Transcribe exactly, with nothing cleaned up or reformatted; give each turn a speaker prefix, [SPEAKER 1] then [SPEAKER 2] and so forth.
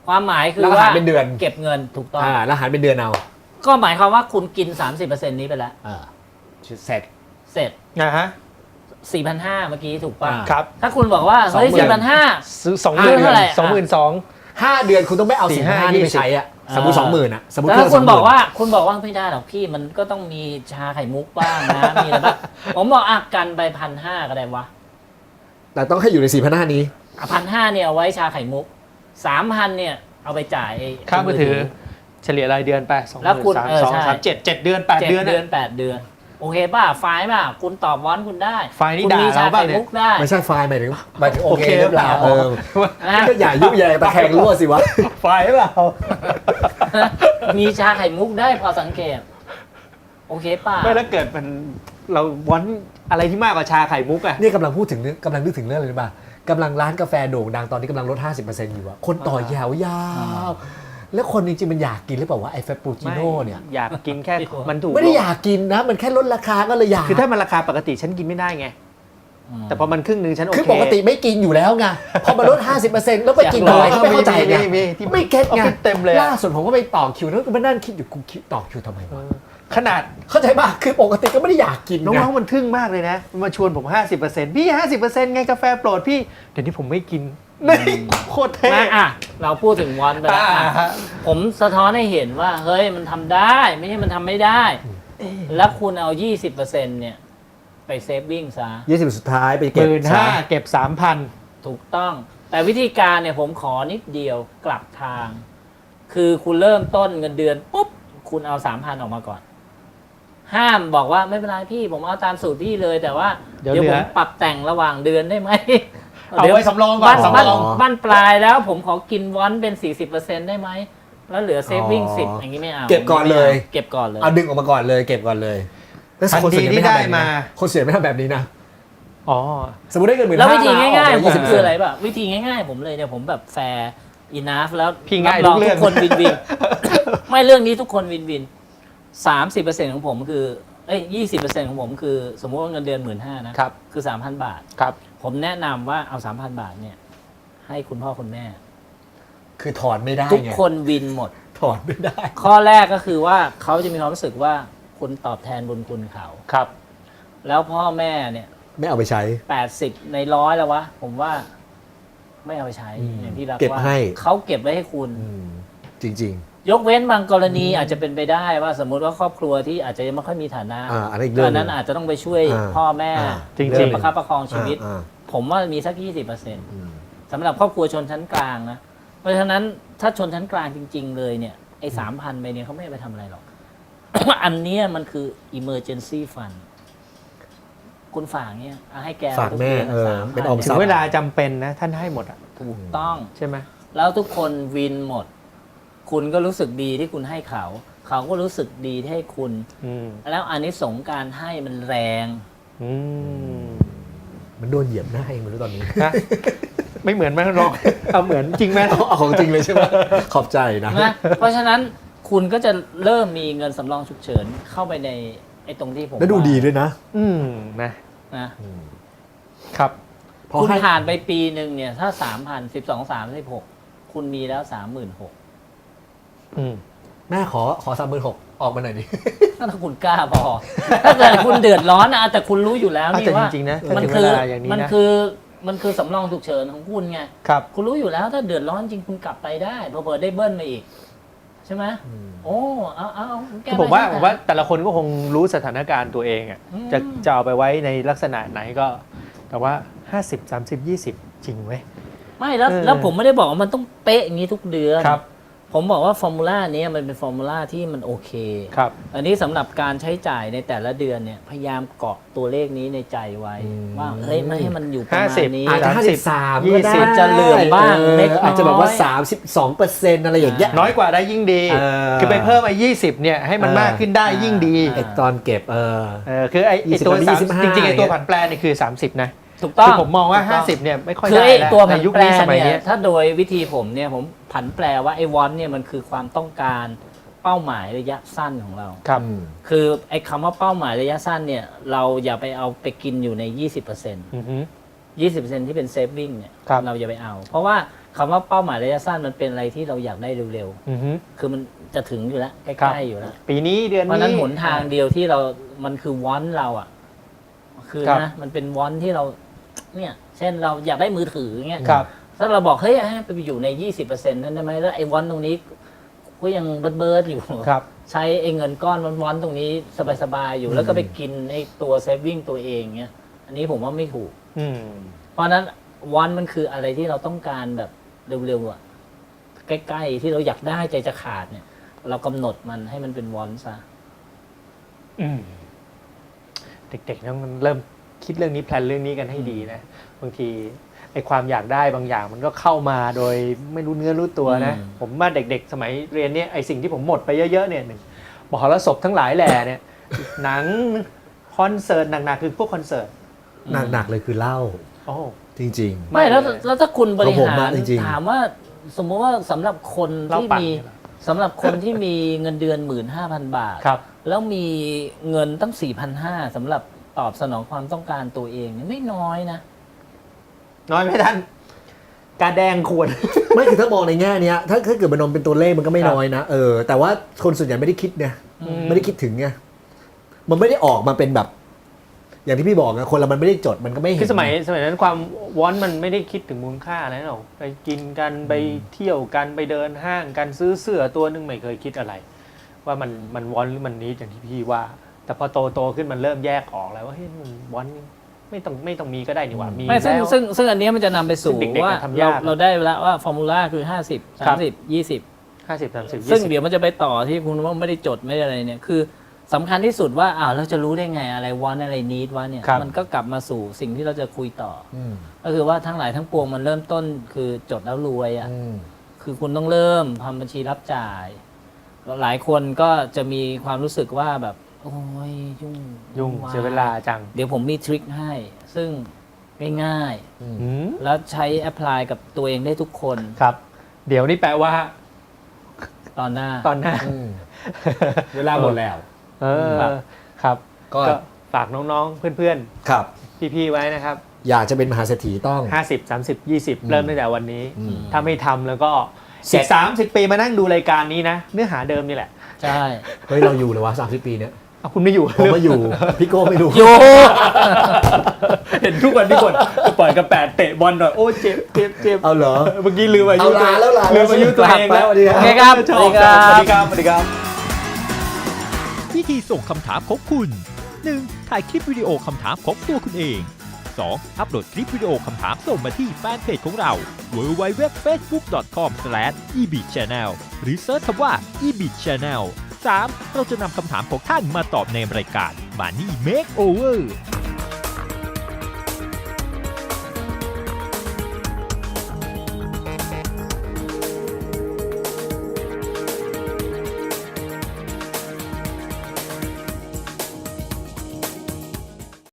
[SPEAKER 1] ความหมายคือ
[SPEAKER 2] แล้วก็
[SPEAKER 1] ว่า
[SPEAKER 2] หารเป็นเดือน
[SPEAKER 1] เก็บเงินถูกต้อง
[SPEAKER 2] อ่าแล้วหารเป็นเดือนเอา
[SPEAKER 1] ก็หมายความว่าคุณกิน สามสิบเปอร์เซ็นต์ นี้ไปแล้ว
[SPEAKER 2] อ่าเสร็จ
[SPEAKER 1] เสร็จ
[SPEAKER 3] นะฮะ
[SPEAKER 1] สี่พันห้าร้อย เมื่อกี้ถูกป่ะ
[SPEAKER 2] อ่า
[SPEAKER 3] ครับ
[SPEAKER 1] ถ้าคุณบอกว่าเฮ้ย
[SPEAKER 2] สองหมื่น
[SPEAKER 1] สี่พันห้าร้อย
[SPEAKER 3] ซื้อสองห
[SPEAKER 1] เดื
[SPEAKER 3] มื่
[SPEAKER 1] อน นเท่าไหร่
[SPEAKER 3] สองหมื่นสอง
[SPEAKER 2] ห้าเดือนคุณต้องไม่เอา
[SPEAKER 3] สี่
[SPEAKER 2] สี่
[SPEAKER 3] ห้า
[SPEAKER 2] ห้านี่ไป
[SPEAKER 3] ยี่สิบ
[SPEAKER 2] ใช้อ่ะสมมติสองหมื่นอ่ะสมมติ
[SPEAKER 1] แล้ว
[SPEAKER 2] เครื่
[SPEAKER 1] ถ้า
[SPEAKER 2] อง
[SPEAKER 1] คุณ
[SPEAKER 2] ส
[SPEAKER 1] บ
[SPEAKER 2] งห
[SPEAKER 1] อก
[SPEAKER 2] มื่น
[SPEAKER 1] ว่าคุณบอกว่าไม่ได้หรอกพี่มันก็ต้องมีชาไข่มุกบ้างนะ มีอะไรบ้างผมบอกอ่ะกันไปพันห้าก็ได้วะ
[SPEAKER 2] แต่ต้องให้อยู่ในสี่พันห้านี้
[SPEAKER 1] พันห้าเนี่ยเอาไว้ชาไข่มุกสามพันเนี่ยเอาไปจ่ายไอ้
[SPEAKER 3] ค่ามือถือเฉลี่ยรายเดือนไปสองห
[SPEAKER 1] แล้ว
[SPEAKER 3] มื่น
[SPEAKER 1] คุณ
[SPEAKER 3] สาม
[SPEAKER 1] เออ
[SPEAKER 3] สอง
[SPEAKER 1] ใช่
[SPEAKER 3] สามเจ็ดเจ็ดเดือนแปด
[SPEAKER 1] เจ็ด
[SPEAKER 3] เดือน
[SPEAKER 1] เดือน
[SPEAKER 3] อะ
[SPEAKER 1] แปดเดือนโอเคป่ะไฟล์ป่ะคุณตอบวอนคุณได้
[SPEAKER 3] ไฟล์นี่
[SPEAKER 1] คุณ
[SPEAKER 3] ด่า
[SPEAKER 1] มีชา
[SPEAKER 3] เราบ้า
[SPEAKER 1] ไข่
[SPEAKER 3] งเนี่ย
[SPEAKER 1] มุกได้
[SPEAKER 2] ไม่ใช่ไฟล์หมายถึงหมายถึงโอเค
[SPEAKER 3] โอเค
[SPEAKER 2] หรือเปล่า
[SPEAKER 3] หรือเปล่า
[SPEAKER 2] เออ
[SPEAKER 1] นะ
[SPEAKER 2] ก็อย่ายุแยงตะแคงรั่วสิวะ
[SPEAKER 3] ไฟล์เปล่า
[SPEAKER 1] มีชาไข่มุกได้พอสังเกตโอเคป่ะ
[SPEAKER 3] ไม่แล้วเกิดมันเราวอนอะไรที่มากกว่าชาไข่มุกอะ
[SPEAKER 2] นี่กำลังพูดถึงเรื่องกำลังนึกถึงเรื่องอะไรรู้ป่ะกำลังร้านกาแฟโด่งดังตอนนี้กำลังลด ห้าสิบเปอร์เซ็นต์ อยู่อะคนต่อยาวยาวแล้วคนจริงๆมันอยากกินหรือเปล่าวะไอ้เฟปปูชิโน่เนี่ย
[SPEAKER 3] อยากกินแค่มันถูก
[SPEAKER 2] ไม่ได้อยากกินนะ มันแค่ลดราคาก็เลยอยาก
[SPEAKER 3] คือถ้ามันราคาปกติฉันกินไม่ได้ไง แต่พอมันครึ่งหนึ่งฉันโอเค
[SPEAKER 2] คือปกติไม่กินอยู่แล้วไงพอมาลด ห้าสิบเปอร์เซ็นต์ แล้วไปกิน
[SPEAKER 3] อยากล
[SPEAKER 2] อะ
[SPEAKER 3] อง
[SPEAKER 2] ไรก็ไม่เข้าใจไง
[SPEAKER 3] มีมีที่
[SPEAKER 2] ไม่เก็ตไง
[SPEAKER 3] ออฟฟิศเต็มเลยอะ
[SPEAKER 2] ล่าสุดผมก็ไปต่อคิวแล้วก็มานั่งคิดอยู่กูคิวต่อคิวทำไมวะ
[SPEAKER 3] ขนาด
[SPEAKER 2] เข้าใจป่ะคือปกติก็ไม่ได้อยากกิน
[SPEAKER 3] น้
[SPEAKER 2] ไง
[SPEAKER 3] องๆมันทึ่งมากเลยนะมันมาชวนผม ห้าสิบเปอร์เซ็นต์ พี่ ห้าสิบเปอร์เซ็นต์ ไงกาแฟโปรดพี่ เดี๋ยวนี้ผมไม่กินนี่โคตรเท่
[SPEAKER 1] มาอ่ะเราพูดถึงวอนไปแล้ว
[SPEAKER 3] อ่า
[SPEAKER 1] อ่ะ
[SPEAKER 3] ฮะ
[SPEAKER 1] ผมสะท้อนให้เห็นว่าเฮ้ยมันทำได้ไม่ใช่มันทำไม่ได้ แล้วคุณเอา ยี่สิบเปอร์เซ็นต์ เนี่ยไปเซฟวิ่งซะ
[SPEAKER 2] ยี่สิบสุดท้ายไป
[SPEAKER 3] ห
[SPEAKER 2] เก็บ
[SPEAKER 3] มื่นห้าเก็บสามพัน
[SPEAKER 1] ถูกต้อง แต่วิธีการเนี่ยผมขอนิดเดียวกลับทาง คือคุณเริ่มต้นเงินเดือนปุ๊บคุณเอา สามพัน ออกมาก่อน ห้ามบอกว่าไม่เป็นไรพี่ผมเอาตามสูตรพี่เลย แต่ว่า
[SPEAKER 3] เดี๋ยว
[SPEAKER 1] เดี๋ยว
[SPEAKER 3] เหลื
[SPEAKER 1] ผ
[SPEAKER 3] อ
[SPEAKER 1] มปรับแต่งระหว่างเดือนได้ไหม
[SPEAKER 3] เอาไว้สำรองก่อน
[SPEAKER 1] บ้าน
[SPEAKER 3] สำร
[SPEAKER 1] บ้าน
[SPEAKER 3] อง
[SPEAKER 1] บ้านปลายแล้วผมขอกินวอนเป็น สี่สิบเปอร์เซ็นต์ ได้ไหมแล้วเหลือเซฟวิ่งสิบอย่างนี้ไม่เอา
[SPEAKER 2] เก็บก่อนเลย
[SPEAKER 1] เก็บก่อนเลย
[SPEAKER 2] เอาดึงออกมาก่อนเลยเก็บก่อนเลยแล้ว
[SPEAKER 3] ทัน
[SPEAKER 2] คนส่วน
[SPEAKER 3] ที
[SPEAKER 2] ใหญ่
[SPEAKER 3] ที่
[SPEAKER 2] ไม่ทำ
[SPEAKER 3] ได้
[SPEAKER 2] แบบนี้
[SPEAKER 3] มา
[SPEAKER 2] นะคนเสียไม่ทำแบบนี้นะ
[SPEAKER 3] อ๋อ
[SPEAKER 2] สมมติได้เงินหมื่น
[SPEAKER 1] แล้ววิธีง่ายๆผม
[SPEAKER 2] สิบ
[SPEAKER 1] คืออะไรป่ะวิธีง่ายๆผมเลยเนี่ยผมแบบแฟร์อินาฟแล้ว
[SPEAKER 3] พี่ง่าย
[SPEAKER 1] รับรอง
[SPEAKER 3] ทุกเรื่
[SPEAKER 1] ทุ
[SPEAKER 3] อง
[SPEAKER 1] กคนวินวิน ไม่เรื่องนี้ทุกคนวินวินสามสิบเปอร์เซ็นต์ของผมคือเอ้ยยี่สิบเปอร์เซ็นต์ของผมคือสมมติว่าเงินเดือนหมื่นห้านะครับ คือสามพันบาท
[SPEAKER 3] ครับ
[SPEAKER 1] ผมแนะนำว่าเอาสามพันบาทเนี่ยให้คุณพ่อคุณแม่
[SPEAKER 2] คือถอนไม่ได้
[SPEAKER 1] ทุก
[SPEAKER 2] ไง
[SPEAKER 1] คนวินหมด
[SPEAKER 2] ถอนไม่ได้
[SPEAKER 1] ข้อแรกก็คือว่าเขาจะมีความรู้สึกว่าคุณตอบแทนบุญคุณเขา
[SPEAKER 3] ครับ
[SPEAKER 1] แล้วพ่อแม่เนี่ย
[SPEAKER 2] ไม่เอาไปใช้
[SPEAKER 1] แปดสิบในร้อยแล้ววะ ผมว่าไม่เอาไปใช้
[SPEAKER 2] อืม
[SPEAKER 1] อย่างที่รัก
[SPEAKER 2] เก็บ
[SPEAKER 1] ว่า
[SPEAKER 2] ให้
[SPEAKER 1] เขาเก็บไว้ให้คุณ
[SPEAKER 2] อืมจริง
[SPEAKER 1] ยกเว้นบางกรณีอาจจะเป็นไปได้ว่าสมมุติว่าครอบครัวที่อาจจะยังไม่ค่อยมีฐานะ
[SPEAKER 2] อ่าอันนั้นอีกเรื่อง
[SPEAKER 1] อันนั้นอาจจะต้องไปช่วย
[SPEAKER 2] อ่า
[SPEAKER 1] พ่อแม่
[SPEAKER 2] อ่า
[SPEAKER 3] จริงๆ
[SPEAKER 1] เรื่องประคับประคอง
[SPEAKER 2] ๆ
[SPEAKER 1] ชีวิต
[SPEAKER 2] อ่า
[SPEAKER 1] ผมว่ามีสักยี่สิบเปอร์เซ็นต์
[SPEAKER 2] อืม
[SPEAKER 1] สำหรับครอบครัวชนชั้นกลางนะ เพราะฉะนั้นถ้าชนชั้นกลางจริง ๆ เลยเนี่ยไอ้สามพันไปเนี่ยเขาไม่เอาไปทำอะไรหรอก อันเนี้ยมันคือ emergency fund คุณฝากเนี่ยเอาให้แก
[SPEAKER 2] ฝากแม่
[SPEAKER 1] ทุดืน
[SPEAKER 2] เออ
[SPEAKER 1] สามพั
[SPEAKER 2] เป็นออมท
[SPEAKER 3] ถึ
[SPEAKER 2] รัพ
[SPEAKER 3] ง
[SPEAKER 2] ย์
[SPEAKER 3] เวลาจำเป็นนะท่านให้หมดอ่ะ
[SPEAKER 1] ถูกต้อง
[SPEAKER 3] ใช่ไหม
[SPEAKER 1] แล้วทุกคนวินหมด คุณก็รู้สึกดีที่คุณให้เขา เขาก็รู้สึกดีที่ให้คุณ
[SPEAKER 3] อืม
[SPEAKER 1] แล้วอานิสงส์การให้มันแรง
[SPEAKER 3] อืม
[SPEAKER 2] มันโดนเหยียบหน้าเองไม่รู้ตอนนี้
[SPEAKER 3] นะไม่เหมือนไหมหรอกเอาเหมือนจริงไหม
[SPEAKER 2] เอาของจริงเลยใช่ไหมขอบใจนะ
[SPEAKER 1] นะ เพราะฉะนั้นคุณก็จะเริ่มมีเงินสำรองฉุกเฉินเข้าไปในไอ้ตรงที่ผม
[SPEAKER 2] แล้วดู
[SPEAKER 1] ว่า
[SPEAKER 2] ดีด้วยนะ
[SPEAKER 3] อืมนะ
[SPEAKER 1] นะ
[SPEAKER 3] ครับ
[SPEAKER 2] เพราะ
[SPEAKER 1] คุณ
[SPEAKER 2] ให้
[SPEAKER 1] ผ่านไปปีหนึ่งเนี่ย ถ้าสามพันสิบสองสามสิบหกคุณมีแล้วสามหมื่นหก
[SPEAKER 3] อืม
[SPEAKER 2] แม่ขอขอสามหมื่นหกออกมาหน่อยดิ
[SPEAKER 1] ถ้าคุณกล้าพอ ถ้าเกิดคุณเดือดร้อนนะแต่คุณรู้อยู่แล้ว
[SPEAKER 3] อ่ะ
[SPEAKER 1] นี่
[SPEAKER 3] แต่
[SPEAKER 1] ว่า
[SPEAKER 3] จริงๆนะถ้า
[SPEAKER 1] มัน
[SPEAKER 3] ถึง
[SPEAKER 1] คื
[SPEAKER 3] เว
[SPEAKER 1] อ
[SPEAKER 3] ลาอย่างนี้
[SPEAKER 1] มัน
[SPEAKER 3] นะ
[SPEAKER 1] คือมันคือสำรองฉุกเฉินของคุณไง
[SPEAKER 3] ครับ
[SPEAKER 1] คุณรู้อยู่แล้วถ้าเดือดร้อนจริงคุณกลับไปได้เพอเปิดได้เบิ้ลมาอีก ใช่ไหมโอ้เอาเอาเอาแก้
[SPEAKER 3] คือผมว่า
[SPEAKER 1] ไป
[SPEAKER 3] ผมว่าแต่ละคนก็คงรู้สถานการณ์ตัวเองอ่ะ
[SPEAKER 1] อืม
[SPEAKER 3] จะจะเอาไปไว้ในลักษณะไหนก็ แต่ว่า ห้าสิบ สามสิบ ยี่สิบ จริงเว้ย
[SPEAKER 1] ไม่แล้ว
[SPEAKER 3] เออ
[SPEAKER 1] แล้วผมไม่ได้บอกว่ามันต้องเป๊ะอย่างนี้ทุกเดือน
[SPEAKER 3] ครับ
[SPEAKER 1] ผมบอกว่าฟอร์มูล่านี้มันเป็นฟอร์มูล่าที่มันโอเค
[SPEAKER 3] ครับ
[SPEAKER 1] อันนี้สำหรับการใช้จ่ายในแต่ละเดือนเนี่ยพยายามเกาะตัวเลขนี้ในใจไว้
[SPEAKER 2] อืม
[SPEAKER 1] ว่าเฮ้ยไม่ให้มันอยู่ประมา
[SPEAKER 3] ห้า
[SPEAKER 1] ณ
[SPEAKER 3] สิบ
[SPEAKER 1] นี้
[SPEAKER 2] อาจจะ
[SPEAKER 3] สาม
[SPEAKER 2] ห้า
[SPEAKER 3] สิ
[SPEAKER 2] สิ
[SPEAKER 3] บ
[SPEAKER 2] บสาม
[SPEAKER 3] ยี่
[SPEAKER 2] ก็
[SPEAKER 3] สิ
[SPEAKER 2] ได้
[SPEAKER 3] บ
[SPEAKER 1] จะเหลื่อมบ้าง
[SPEAKER 2] ออ
[SPEAKER 1] เล็กน้อย
[SPEAKER 2] อาจจะแบบว่าสามสิบสองเปอร์เซ็นต์อะไรอย่างเงี้ย
[SPEAKER 3] น้อยกว่าได้ยิ่งดี
[SPEAKER 2] เออ
[SPEAKER 3] คือไปเพิ่มไอ้ยี่สิบเนี่ยให้มัน
[SPEAKER 2] เออ
[SPEAKER 3] มากขึ้นได้ยิ่งดี
[SPEAKER 2] ไอตอนเก็บเออ
[SPEAKER 3] เออคือไอ้ไอ้
[SPEAKER 2] ยี่สิบ
[SPEAKER 3] ตัว
[SPEAKER 2] กับ
[SPEAKER 3] สาม
[SPEAKER 2] ยี่สิบห้า
[SPEAKER 3] จริงๆไอ้ตัว
[SPEAKER 2] อย่างเงี้ย
[SPEAKER 3] ผันแปรนี่คือ สามสิบ นะ
[SPEAKER 1] ถูกต้อ
[SPEAKER 3] คื
[SPEAKER 1] ง
[SPEAKER 3] อผมมองว่า
[SPEAKER 1] ถูกต้
[SPEAKER 3] ห้าสิบ เนี่ยไม่ค่อย
[SPEAKER 1] คือ
[SPEAKER 3] ได้
[SPEAKER 1] ไอ้
[SPEAKER 3] แล้ว
[SPEAKER 1] ตัว
[SPEAKER 3] ใน
[SPEAKER 1] ผัน
[SPEAKER 3] ยุค
[SPEAKER 1] แปร
[SPEAKER 3] นี้สมัย
[SPEAKER 1] เนี่
[SPEAKER 3] เนี้
[SPEAKER 1] ย
[SPEAKER 3] ย
[SPEAKER 1] ถ้าโดยวิธีผมเนี่ยผมผันแปลว่าไอ้วอนเนี่ยมันคือความต้องการเป้าหมายระยะสั้นของเรา
[SPEAKER 3] ครับ
[SPEAKER 2] อืม
[SPEAKER 1] คือไอ้คำว่าเป้าหมายระยะสั้นเนี่ยเราอย่าไปเอาไปกินอยู่ใน ยี่สิบเปอร์เซ็นต์
[SPEAKER 3] อือฮึ
[SPEAKER 1] ยี่สิบเปอร์เซ็นต์ที่เป็นเซฟวิ่งเนี่ย
[SPEAKER 3] ครับ
[SPEAKER 1] เราอย่าไปเอา เพราะว่าคำว่าเป้าหมายระยะสั้นมันเป็นอะไรที่เราอยากได้เร็ว
[SPEAKER 3] อือฮึ
[SPEAKER 1] ๆคือมันจะถึงอยู่แล้วใก
[SPEAKER 3] ครับ
[SPEAKER 1] ล้ๆอยู่แล้ว
[SPEAKER 3] ปีนี้เดือน
[SPEAKER 1] เพราะ
[SPEAKER 3] นี้
[SPEAKER 1] ฉะนั้นหนทางเดียวที่เรา มันคือวอนเราอ่ะ คือ
[SPEAKER 3] ครับ
[SPEAKER 1] นะ มันเป็นวอนที่เรา เนี่ย เช่นเราอยากได้มือถือเงี้ย
[SPEAKER 3] ครับ
[SPEAKER 1] ถ้าเราบอก เฮ้ยให้ไปอยู่ใน ยี่สิบเปอร์เซ็นต์ นั้นได้ไหมแล้วไอ้วอนตรงนี้ก็ยังเบิร์ดเบิร์ดอยู่
[SPEAKER 3] ครับ
[SPEAKER 1] ใช้ไอ้เงินก้อนวอนๆตรงนี้สบายๆ อยู่แล้วก็ไปกินไอ้ตัวเซฟวิ่งตัวเองเงี้ย อันนี้ผมว่าไม่ถูก
[SPEAKER 3] อืม
[SPEAKER 1] เพราะฉะนั้นวันมันคืออะไรที่เราต้องการแบบเร็วๆอ่ะ ใกล้ๆที่เราอยากได้ใจจะขาดเนี่ย เรากำหนดมันให้มันเป็นวอนซะ
[SPEAKER 3] อืมเด็กๆต้องเริ่มคิดเรื่องนี้แพลนเรื่องนี้กันให้ดีนะบางทีไอ้ความอยากได้บางอย่างมันก็เข้ามาโดยไม่รู้เนื้อรู้ตัวนะ
[SPEAKER 1] อืม
[SPEAKER 3] ผมว่าเด็กๆ สมัยเรียนเนี่ยไอ้สิ่งที่ผมหมดไปเยอะๆเนี่ยหนึ่งมหรสพทั้งหลายแหล่เนี่ย หนังคอนเสิร์ตหนักๆคือพวกคอนเสิร์ต
[SPEAKER 2] หนักๆเลยคือเหล้า
[SPEAKER 3] โอ้
[SPEAKER 2] จริง
[SPEAKER 1] ไม่แล้ว
[SPEAKER 3] ไม่เลย
[SPEAKER 1] แล้วถ้าคุณบริ
[SPEAKER 2] ของผม
[SPEAKER 1] หาร
[SPEAKER 2] อะจริงๆ
[SPEAKER 1] ถามว่าสมมติว่าสำหรับคน
[SPEAKER 3] เหล้า
[SPEAKER 1] ที่
[SPEAKER 3] ปั่น
[SPEAKER 1] มี
[SPEAKER 3] ใช่ไหม
[SPEAKER 1] สำหรับคนที่มีเงินเดือนหมื่นห้าพันบาท
[SPEAKER 3] ครับ
[SPEAKER 1] แล้วมีเงินตั้งสี่พันห้าสำหรับตอบสนองความต้องการตัวเองเนี่ยไม่น้อยนะ
[SPEAKER 3] น้อยไหมท่านกาแดงควร
[SPEAKER 2] ๆ ไม่คือถ้ามองในแง่เนี้ยถ้าถ้าเกิดมันนมเป็นตัวเลขมันก็ไม่
[SPEAKER 3] ครับ
[SPEAKER 2] น้อยนะเออแต่ว่าคนส่วนใหญ่ไม่ได้คิดไง
[SPEAKER 1] อืม
[SPEAKER 2] ไม่ได้คิดถึงไงมันไม่ได้ออกมาเป็นแบบ อย่างที่พี่บอกนะคนเรามันไม่ได้จดมันก็ไม่เห็น
[SPEAKER 3] คือสมัยสมัยนั้นความวอนมันไม่ได้คิดถึงมูลค่าอะไรหรอกไปกินกันไปเที่ยวกันไปเดินห้างกันซื้อเสื้อตัวหนึงไม่เคยคิดอะไร ว่ามันมันวอนหรือมันนี้อย่างที่พี่ว่า แต่พอโตโตขึ้นมันเริ่มแยกออกแล้วว่าเฮ้ยมันวอนไม่ต้องไม่ต้องมีก็ได้นี่หว่ามี
[SPEAKER 1] ไม่ซึ่ง
[SPEAKER 3] แล้ว
[SPEAKER 1] ซึ่งซึ่งอันเนี้ยมันจะนำไปสู่
[SPEAKER 3] ซึ่งเด็กๆ
[SPEAKER 1] ว่า
[SPEAKER 3] ทำ
[SPEAKER 1] เรา
[SPEAKER 3] ยาก
[SPEAKER 1] เราได้แล้วว่าฟอร์มูลาคือห้าสิบ
[SPEAKER 3] ครั
[SPEAKER 1] สาม
[SPEAKER 3] บ
[SPEAKER 1] สิบยี่สิบ
[SPEAKER 3] ห้าสิบสามสิบ
[SPEAKER 1] ซึ่ง
[SPEAKER 3] ยี่สิบ
[SPEAKER 1] เดี๋ยวมันจะไปต่อที่คุณว่าไม่ได้จดไม่ได้อะไรเนี่ยคือสำคัญที่สุดว่าอ้าวเราจะรู้ได้ไงอะไรวอนอะไรนีดวะเนี่ย
[SPEAKER 3] ครับ
[SPEAKER 1] มันก็กลับมาสู่สิ่งที่เราจะคุยต่อ
[SPEAKER 2] อืม
[SPEAKER 1] ก็คือว่าทั้งหลายทั้งปวงมันเริ่มต้นคือจดแล้วรวยอ่ะ
[SPEAKER 2] อืม
[SPEAKER 1] คือคุณต้องเริ่มทำบัญชีรับจ่ายหลายคนก็จะมีความรู้สึกว่าแบบ โอ้ยยุ่ง
[SPEAKER 3] ยุ่ง
[SPEAKER 1] ว
[SPEAKER 3] เสียเวลาจัง
[SPEAKER 1] เดี๋ยวผมมีทริคให้ ซึ่งง่าย
[SPEAKER 2] อืม
[SPEAKER 3] อืม
[SPEAKER 1] ๆ แล้วใช้แอพพลายกับตัวเองได้ทุกคน
[SPEAKER 3] ครับ เดี๋ยวนี่แปลว่า
[SPEAKER 1] ตอนหน้า
[SPEAKER 3] ตอนหน้า
[SPEAKER 2] อืมเวลาหมดแล้ว
[SPEAKER 3] เออ
[SPEAKER 1] ครับ
[SPEAKER 3] ครับ
[SPEAKER 2] ก็
[SPEAKER 3] ก็ฝากน้องๆ เพื่อน
[SPEAKER 2] ครับ
[SPEAKER 3] ๆ พี่ๆ ไว้นะครับ
[SPEAKER 2] อยากจะเป็นมหาเศรษฐีต้อง
[SPEAKER 3] ห้าสิบ สามสิบ ยี่สิบ
[SPEAKER 2] อืม
[SPEAKER 3] เริ่มตั้งแต่วันนี้
[SPEAKER 2] อืม
[SPEAKER 3] ถ้าไม่ทำแล้วก็
[SPEAKER 2] เสร็
[SPEAKER 3] สิ
[SPEAKER 2] จ
[SPEAKER 3] บสามสิบปีมานั่งดูรายการนี้นะ เนื้อหาเดิมนี่แหละ
[SPEAKER 1] ใช่
[SPEAKER 2] เฮ้ยเราอยู่เลยวะสามสิบปีเนี้ย
[SPEAKER 3] เอาคุณไม่อยู่
[SPEAKER 2] ผมไม่อยู่ พี่โก้ไม่รู้
[SPEAKER 1] โย
[SPEAKER 3] เห็นทุกวันที่คนปล่อยกระแปดเตะบอลหน่อยโอ้เจ็บเจ็บเจ็บ
[SPEAKER 2] เอาเหรอ
[SPEAKER 3] เมื่อกี้ลืมอายุ
[SPEAKER 2] เอาลาแล้วลา
[SPEAKER 3] ลืมอายุตัวเอง
[SPEAKER 2] แล้วสวัสดีครับ
[SPEAKER 1] โอเคครับ
[SPEAKER 3] ชอบ
[SPEAKER 1] สวัสดีครับ
[SPEAKER 3] สวัสดีครับสวัสดีครับ
[SPEAKER 4] วิธีส่งคำถามของคุณ หนึ่ง ถ่ายคลิปวิดีโอคำถามของตัวคุณเอง สอง อัปโหลดคลิปวิดีโอคำถามส่งมาที่แฟนเพจของเรา ดับเบิลยู ดับเบิลยู ดับเบิลยู ดอท เฟซบุ๊ก ดอท คอม สแลช อี บี ช แนล หรือเซิร์ชคำว่า อี บี ช แนล สาม เราจะนำคำถามของท่านมาตอบในรายการ Money Makeover